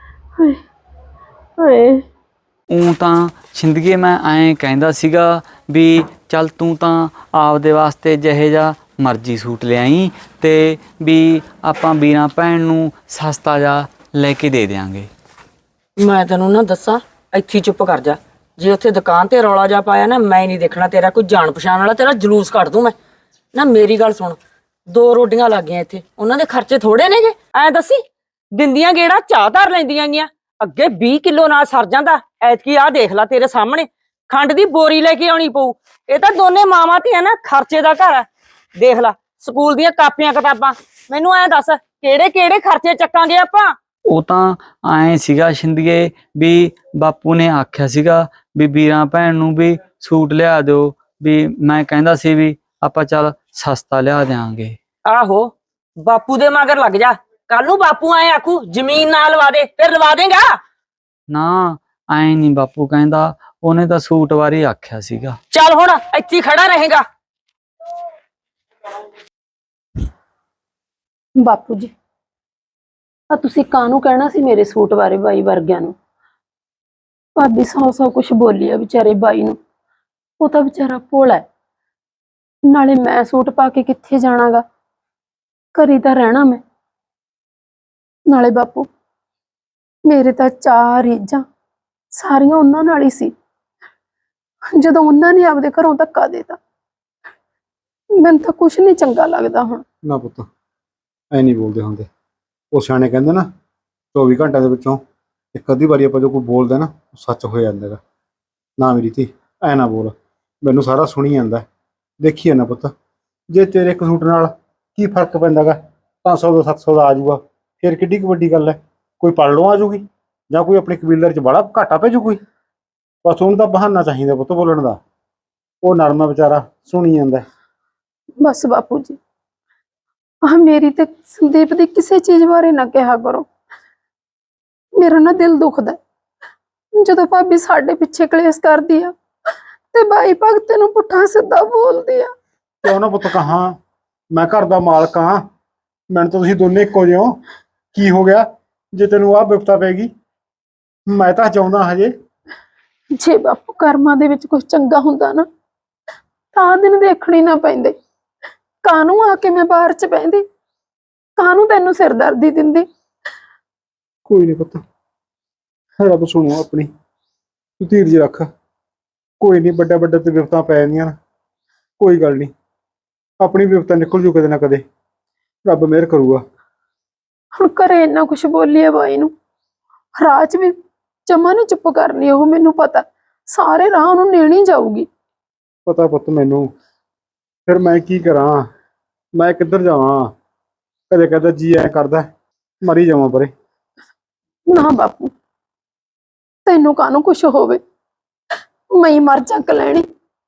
Speaker 2: ਹਾਏ।
Speaker 5: ਊਂ ਤਾਂ ਸ਼ਿੰਦਗੀ ਮੈਂ ਐਂ ਕਹਿੰਦਾ ਸੀਗਾ ਵੀ ਚੱਲ ਤੂੰ ਤਾਂ ਆਪਦੇ ਵਾਸਤੇ ਜਿਹੇ ਜਿਹਾ ਮਰਜ਼ੀ ਸੂਟ ਲਿਆਈ, ਤੇ ਵੀ ਆਪਾਂ ਵੀਰਾਂ ਭੈਣ ਨੂੰ ਸਸਤਾ ਜਿਹਾ ਲੈ ਕੇ ਦੇ ਦਿਆਂਗੇ।
Speaker 6: ਮੈਂ ਤੈਨੂੰ ਨਾ ਦੱਸਾਂ, ਇੱਥੇ ਚੁੱਪ ਕਰ ਜਾ। ਜੇ ਉੱਥੇ ਦੁਕਾਨ ਤੇ ਰੌਲਾ ਜਾ ਪਾਇਆ ਨਾ, ਮੈਂ ਨਹੀਂ ਦੇਖਣਾ ਤੇਰਾ ਕੋਈ ਜਾਣ ਪਛਾਣ ਵਾਲਾ, ਤੇਰਾ ਜਲੂਸ ਕੱਢ ਦੂੰ ਮੈਂ। ਨਾ ਮੇਰੀ ਗੱਲ ਸੁਣ, 2 ਰੋਟੀਆਂ ਲੱਗ ਗਈਆਂ ਇੱਥੇ, ਉਹਨਾਂ ਦੇ ਖਰਚੇ ਥੋੜੇ ਨੇਗੇ। ਐ ਦੱਸੀ, ਦਿੰਦੀਆਂ ਗੇੜਾ ਚਾਹ ਧਰ ਲੈਂਦੀਆਂ ਗੀਆਂ। ਅੱਗੇ 20 ਕਿਲੋ ਨਾਲ ਸਰ ਜਾਂਦਾ, ਐਤਕੀ ਆਹ ਦੇਖ ਲੈ ਤੇਰੇ ਸਾਹਮਣੇ ਖੰਡ ਦੀ ਬੋਰੀ ਲੈ ਕੇ ਆਉਣੀ ਪਊ। ਇਹ ਤਾਂ ਦੋਨੇ ਮਾਵਾਂ ਧੀਆਂ ਨਾ ਖਰਚੇ ਦਾ ਘਰ ਹੈ। ਦੇਖ ਲੈ ਸਕੂਲ ਦੀਆਂ ਕਾਪੀਆਂ ਕਿਤਾਬਾਂ, ਮੈਨੂੰ ਐਂ ਦੱਸ ਕਿਹੜੇ ਕਿਹੜੇ ਖਰਚੇ ਚੱਕਾਂਗੇ ਆਪਾਂ।
Speaker 5: ਉਹ ਤਾਂ ਐਂ ਸੀਗਾ ਸ਼ਿੰਦੀਏ ਵੀ ਬਾਪੂ ਨੇ ਆਖਿਆ ਸੀਗਾ ਵੀ ਵੀਰਾਂ ਭੈਣ ਨੂੰ ਵੀ ਸੂਟ ਲਿਆ ਦਿਓ, ਵੀ ਮੈਂ ਕਹਿੰਦਾ ਸੀ ਵੀ ਆਪਾਂ ਚੱਲ ਸਸਤਾ ਲਿਆ ਦਿਆਂਗੇ।
Speaker 6: ਆਹੋ ਬਾਪੂ ਦੇ ਮਗਰ ਲੱਗ ਜਾ, ਕੱਲ ਨੂੰ ਬਾਪੂ ਐ ਆਖੂ ਜ਼ਮੀਨ ਨਾ ਲਵਾ ਦੇ, ਫਿਰ ਲਵਾ ਦੇਗਾ।
Speaker 5: ਨਾ ਐਂ ਨਹੀਂ ਬਾਪੂ ਕਹਿੰਦਾ, ਉਹਨੇ ਤਾਂ ਸੂਟ ਬਾਰੇ ਆਖਿਆ ਸੀਗਾ।
Speaker 6: ਚੱਲ ਹੁਣ ਇੱਥੇ ਹੀ ਖੜਾ ਰਹੇਗਾ।
Speaker 8: ਬਾਪੂ ਜੀ ਆ ਤੁਸੀਂ ਕਾਹਨੂੰ ਕਹਿਣਾ ਸੀ ਮੇਰੇ ਸੂਟ ਬਾਰੇ ਬਾਈ ਵਰਗਿਆਂ ਨੂੰ? ਭਾਬੀ ਸੌ ਕੁਛ ਬੋਲੀ ਆ ਵਿਚਾਰੇ ਬਾਈ ਨੂੰ, ਉਹ ਤਾਂ ਵਿਚਾਰਾ ਭੋਲਾ ਹੈ। ਨਾਲੇ ਮੈਂ ਸੂਟ ਪਾ ਕੇ ਕਿੱਥੇ ਜਾਣਾਗਾ, ਘਰੀ ਤਾਂ ਰਹਿਣਾ ਮੈਂ। ਨਾਲੇ ਬਾਪੂ ਮੇਰੇ ਤਾਂ ਚਾਰ ਰੀਝਾਂ ਸਾਰੀਆਂ ਉਹਨਾਂ ਨਾਲ ਹੀ ਸੀ। ਜਦੋਂ ਉਹਨਾਂ ਨੇ ਆਪਦੇ ਘਰੋਂ ਧੱਕਾ ਦੇਤਾ, ਮੈਨੂੰ ਤਾਂ ਕੁਛ ਨਹੀਂ ਚੰਗਾ ਲੱਗਦਾ ਹੁਣ।
Speaker 7: ਨਾ ਪੁੱਤ ਐ ਨਹੀਂ ਬੋਲਦੇ ਹੁੰਦੇ। ਉਹ ਸਿਆਣੇ ਕਹਿੰਦੇ ਨਾ 24 ਘੰਟਿਆਂ ਦੇ ਵਿੱਚੋਂ ਇੱਕ ਅੱਧੀ ਵਾਰੀ ਆਪਾਂ ਜੋ ਕੋਈ ਬੋਲਦਾ ਨਾ ਉਹ ਸੱਚ ਹੋ ਜਾਂਦਾ ਗਾ। ਨਾ ਮੇਰੀ ਧੀ ਐ ਨਾ ਬੋਲ, ਮੈਨੂੰ ਸਾਰਾ ਸੁਣੀ ਜਾਂਦਾ। ਦੇਖੀਏ ਨਾ ਪੁੱਤ, ਜੇ ਤੇਰੇ ਇੱਕ ਸੂਟ ਨਾਲ ਕੀ ਫਰਕ ਪੈਂਦਾ ਗਾ, 500 ਦਾ 700 ਦਾ ਆ ਜਾਊਗਾ, ਫਿਰ ਕਿੱਡੀ ਕੁ ਵੱਡੀ ਗੱਲ ਹੈ। ਕੋਈ ਪਲੜੋਂ ਆ ਜਾਊਗੀ ਜਾਂ ਕੋਈ ਆਪਣੇ ਕਬੀਲਦਾਰ 'ਚ ਬੜਾ ਘਾਟਾ ਪੈ ਜੂ ਕੋਈ। ਬਸ ਉਹਨੂੰ ਤਾਂ ਬਹਾਨਾ ਚਾਹੀਦਾ ਪੁੱਤ ਬੋਲਣ ਦਾ। ਉਹ ਨਰਮਾ ਵਿਚਾਰਾ ਸੁਣੀ ਜਾਂਦਾ।
Speaker 8: ਬਸ ਬਾਪੂ ਜੀ ਆਹ ਮੇਰੀ ਤੇ ਸੰਦੀਪ ਦੀ ਕਿਸੇ ਚੀਜ਼ ਬਾਰੇ ਨਾ ਕਿਹਾ ਕਰੋ। ਮੇਰਾ ਨਾ ਦਿਲ ਦੁਖਦਾ ਜਦੋਂ ਭਾਬੀ ਸਾਡੇ ਪਿੱਛੇ ਕਲੇਸ਼ ਕਰਦੀ ਆ ਤੇ ਬਾਈ ਭਗਤ ਨੂੰ ਪੁੱਠਾ ਸਿੱਧਾ ਬੋਲਦੀ ਆ।
Speaker 7: ਕਿਉਂ ਨਾ ਪੁੱਤ ਕਹਾਂ, ਮੈਂ ਘਰ ਦਾ ਮਾਲਕ ਹਾਂ, ਮੈਨੂੰ ਤਾਂ ਤੁਸੀਂ ਦੋਨੇ ਇੱਕੋ ਜਿਹੇ ਹੋ। ਕੀ ਹੋ ਗਿਆ ਜੇ ਤੈਨੂੰ ਆਹ ਬਿਪਤਾ ਪੈਗੀ? ਮੈਂ ਤਾਂ ਚਾਹੁੰਦਾ ਹਜੇ।
Speaker 8: ਜੇ ਬਾਪੂ ਕਰਮਾਂ ਦੇ ਵਿੱਚ ਕੁਝ ਚੰਗਾ ਹੁੰਦਾ ਨਾ ਤਾਂ ਦਿਨ ਦੇਖਣੇ ਨਾ ਪੈਂਦੇ। ਕਾਹਨੂੰ ਆ ਕੇ ਮੈਂ ਬਾਹਰ ਚ ਬਹਿੰਦੀ, ਕਾਹਨੂੰ ਤੈਨੂੰ ਸਿਰਦਰਦੀ ਦਿੰਦੀ।
Speaker 7: ਕੋਈ ਨਹੀਂ ਪੁੱਤ, ਰੱਬ ਸੁਣੋ ਆਪਣੀ, ਤੂੰ ਧੀਰਜ ਰੱਖ। ਕੋਈ ਨਹੀਂ, ਵੱਡਾ ਵੱਡਾ ਤੇ ਬਿਪਤਾ ਪੈ ਜਾਂਦੀਆਂ ਨਾ, ਕੋਈ ਗੱਲ ਨਹੀਂ। ਆਪਣੀ ਬਿਪਤਾ ਨਿਕਲ ਜੂ ਕਦੇ ਨਾ ਕਦੇ, ਰੱਬ ਮਿਹਰ ਕਰੂਗਾ।
Speaker 8: ਹੁਣ ਘਰੇ ਇੰਨਾ ਕੁਛ ਬੋਲੀ ਆ ਬਾਈ ਨੂੰ, ਰਾਹ ਚ ਵੀ ਜਮਾ ਨੀ ਚੁੱਪ ਕਰਨੀ ਉਹ, ਮੈਨੂੰ ਪਤਾ ਸਾਰੇ ਰਾਹ ਉਹਨੂੰ ਨੇਣੀ ਜਾਊਗੀ।
Speaker 7: ਪਤਾ ਪੁੱਤ ਮੈਨੂੰ, ਫਿਰ ਮੈਂ ਕੀ ਕਰਾਂ, ਮੈਂ ਕਿੱਧਰ ਜਾਵਾਂ। ਕਦੇ ਕਦੇ ਜੀ ਐ ਕਰਦਾ ਮਰੀ ਜਾਵਾਂ ਪਰੇ।
Speaker 8: ਨਾ ਬਾਪੂ ਤੈਨੂੰ ਕਾਹਨੂੰ ਕੁਛ ਹੋਵੇ, ਮੈਂ ਹੀ ਮਰ ਚੱਕ ਲੈਣੀ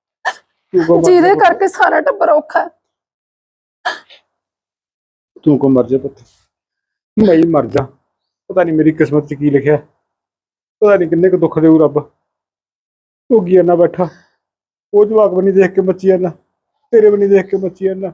Speaker 8: ਜਿਹਦੇ ਕਰਕੇ ਸਾਰਾ ਟੱਬਰ ਔਖਾ ਹੈ।
Speaker 7: ਤੂੰ ਕੋ ਮਰ ਜਾ ਪੁੱਤ, ਮੈਂ ਹੀ ਮਰ ਜਾ। ਪਤਾ ਨਹੀਂ ਮੇਰੀ ਕਿਸਮਤ 'ਚ ਕੀ ਲਿਖਿਆ, ਪਤਾ ਨਹੀਂ ਕਿੰਨੇ ਕੁ ਦੁੱਖ ਦੇਊ ਰੱਬ। ਭੋਗੀ ਨਾ ਬੈਠਾ, ਉਹ ਜਵਾਕ ਬਣੀ ਦੇਖ ਕੇ ਮੱਚੀ ਜਾਂਦਾ, ਤੇਰੇ ਬਣੀ ਦੇਖ ਕੇ ਮੱਚੀ ਜਾਂਦਾ।